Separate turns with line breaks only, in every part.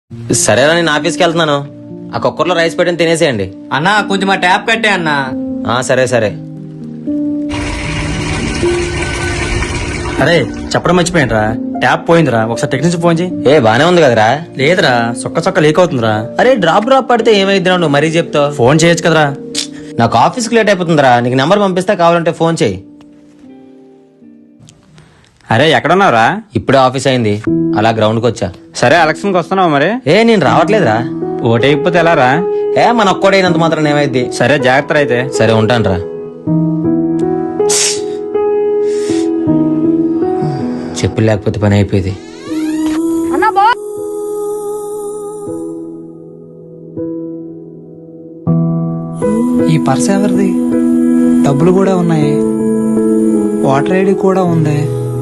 సరేరా, నేను ఆఫీస్కి వెళ్తున్నాను. ఆ కుక్కర్లో రైస్ పెట్టిన తినేసేయండి.
అన్నా కొంచెం ఆ ట్యాప్ కట్టే అన్నా.
సరే సరే.
అరే చెప్పడం మర్చిపోయినరా, ట్యాప్ పోయిందిరా, ఒకసారి టెక్నీషియన్ ఫోన్ చేయి.
బానే ఉంది కదరా?
లేదురా, చొక్క లీక్ అవుతుందిరా.
అరే డ్రాప్ పడితే ఏమైద్దిరా, నువ్వు మరీ చెప్తావు.
ఫోన్ చేయొచ్చు కదరా.
నాకు ఆఫీస్కి లేట్ అయిపోతుందిరా. నీకు నెంబర్ పంపిస్తా, కావాలంటే ఫోన్ చేయి.
అరే ఎక్కడున్నావురా?
ఇప్పుడే ఆఫీస్ అయింది, అలా గ్రౌండ్కి వచ్చా.
సరే ఎలక్షన్కి వస్తున్నావు మరి?
నేను రావట్లేదురా.
ఓటైపోతే ఎలా రా?
మన ఒక్కడైనంత మాత్రం ఏమైద్ది.
సరే జాగ్రత్త అయితే.
సరే ఉంటానురా. చెప్పులు లేకపోతే పని అయిపోయింది.
ఈ పర్స్ ఎవరిది? డబ్బులు కూడా ఉన్నాయి, వాటర్ ఐడి కూడా ఉంది.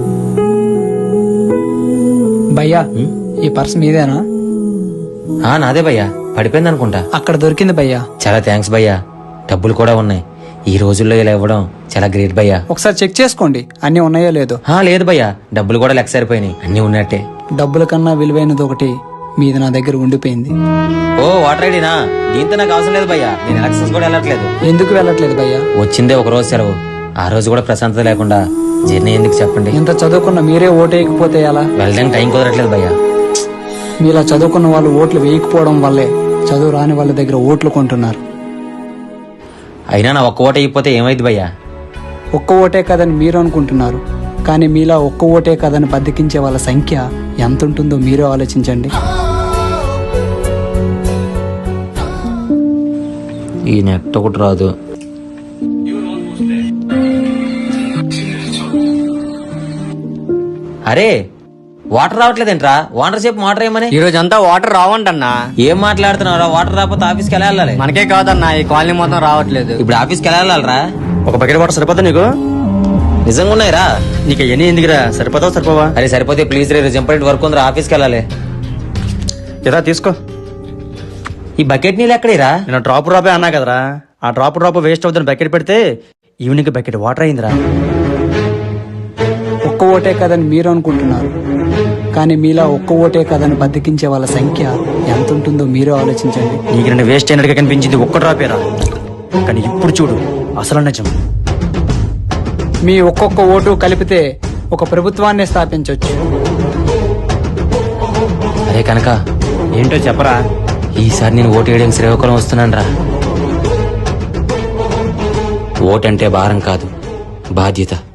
భయ్యా ఈ పర్స్ మీదేనా?
నాదే భయ్యా, పడిపోయింది అనుకుంటా.
అక్కడ దొరికింది భయ్యా.
చాలా థ్యాంక్స్ భయ్యా. డబ్బులు కూడా ఉన్నాయి. ఈ రోజుల్లో ఇలా ఇవ్వడం చాలా గ్రేట్ భయ్యా.
ఒకసారి చెక్ చేసుకోండి అన్ని ఉన్నాయో లేదో.
లేదు భయ్యా, డబ్బులు కూడా లెక్క సరిపోయినాయి, అన్ని ఉన్నట్టే.
డబ్బుల కన్నా విలువైనది ఒకటి మీది నా దగ్గర ఉండిపోయింది.
వాటర్ ఐడినా? దీంతో నాకు అవసరం లేదు భయ్యా, నేను ఎలక్షన్స్ కూడా వెళ్ళట్లేదు.
ఎందుకు వెళ్ళట్లేదు భయ్యా?
వచ్చిందే ఒక రోజు సెలవు, ఆ రోజు కూడా ప్రశాంతత లేకుండా జర్నీ ఎందుకు చెప్పండి.
ఇంత చదువుకున్న మీరే ఓటు వేయకపోతే ఎలా?
వెళ్ళడానికి టైం కుదరట్లేదు భయ్యా.
మీలా చదువుకున్న వాళ్ళు ఓట్లు వేయకపోవడం వల్లే చదువు రాని వాళ్ళ దగ్గర ఓట్లు కొంటున్నారు.
అయినా నా ఒక్క ఓటు అయిపోతే ఏమైంది భయ్యా?
ఒక్క ఓటే కదని మీరు అనుకుంటున్నారు, కానీ మీలా ఒక్క ఓటే కదని బద్దకించే వాళ్ళ సంఖ్య ఎంత ఉంటుందో మీరే ఆలోచించండి.
ఈ నెట్ ఒకటి రాదు. అరే వాటర్ రావట్లేదేంట్రా? వాటర్ సేపు వాటర్ ఏమని?
ఈ రోజు అంతా వాటర్ రావంటన్నా.
ఏం మాట్లాడుతున్నారా? వాటర్ రాకపోతే ఆఫీస్కి ఎలా వెళ్ళాలి?
మనకే కాదన్నా, ఈ కాలనీ మొత్తం రావట్లేదు.
ఇప్పుడు ఆఫీస్కి ఎలా వెళ్ళాలరా?
ఒక బకెట్ వాటర్ సరిపోతా నీకు?
నిజంగా ఉన్నాయిరా?
నీకు ఎన్ని ఎందుకురా, సరిపోతావు సరిపోవా?
అరే సరిపోతే ప్లీజ్ రే, ఇంపార్టెంట్ వర్క్ ఉందిరా, ఆఫీస్కి వెళ్ళాలి.
ఇదా తీసుకో.
ఈ బకెట్ నీళ్ళు ఎక్కడేరా?
నేను డ్రాప్ అన్నా కదరా, ఆ డ్రాప్ వేస్ట్ అవుతుంది. బకెట్ పెడితే ఈవినింగ్ బకెట్ వాటర్ అయిందిరా.
ఒక్క ఓటే కదని మీరు అనుకుంటున్నారు, కానీ మీలా ఒక్క ఓటే కదని బద్దకించే వాళ్ళ సంఖ్య ఎంత ఉంటుందో మీరే ఆలోచించండి.
నీకు రెండు వేస్ట్ అయినట్టుగా కనిపించింది ఒక్క డ్రాపేరా, కానీ ఇప్పుడు చూడు అసలు నిజం.
మీ ఒక్కొక్క ఓటు కలిపితే ఒక ప్రభుత్వాన్ని స్థాపించవచ్చు.
అరే కనుక
ఏంటో చెప్పరా?
ఈసారి నేను ఓటు వేయడం శ్రీకాకుళం వస్తున్నాను రా. ఓటంటే భారం కాదు, బాధ్యత.